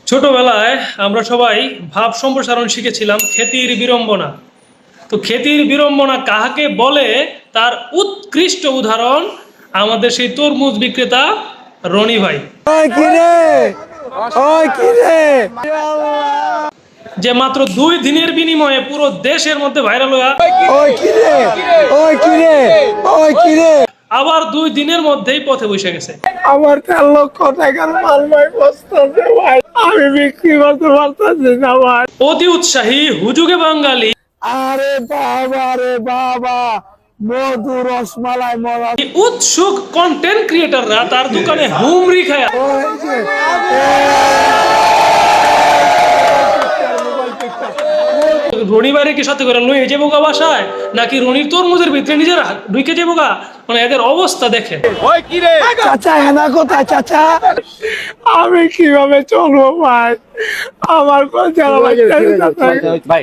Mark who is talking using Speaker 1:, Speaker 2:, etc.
Speaker 1: ছোটবেলায় আমরা সবাই ভাব সম্প্রসারণ শিখেছিলাম খ্যাতির বিড়ম্বনা। তো খ্যাতির বিড়ম্বনা কাহাকে বলে তার উৎকৃষ্ট উদাহরণ আমাদের সেই তরমুজ বিক্রেতা রনি ভাই, যে মাত্র 2 দিনের বিনিময়ে পুরো দেশের মধ্যে ভাইরাল হয়ে আবার 2 দিনের মধ্যেই পথে বসে গেছে।
Speaker 2: আমার 4 লক্ষ টাকার মাল ভাই বসতেছে ভাই, আমি বিক্রি করতে পারতেছি না ভাই।
Speaker 1: অতি উৎসাহী হুজুগে বাঙালি
Speaker 2: আরে বাবা রে বাবা, মধু রসমালাই মরা
Speaker 1: উৎসুক কন্টেন্ট ক্রিয়েটাররা তার দোকানে হুমরি খায় রনি বাইরে কি সাথে করে লয়ে যাবো গা বাসায়, নাকি রনির তরমুজের ভিতরে নিজের ঢুকে যাবো গা। মানে এদের অবস্থা দেখে।
Speaker 2: চাচা হেনা কোথায় চাচা? আমি কিভাবে চলবো ভাই, আমার কথা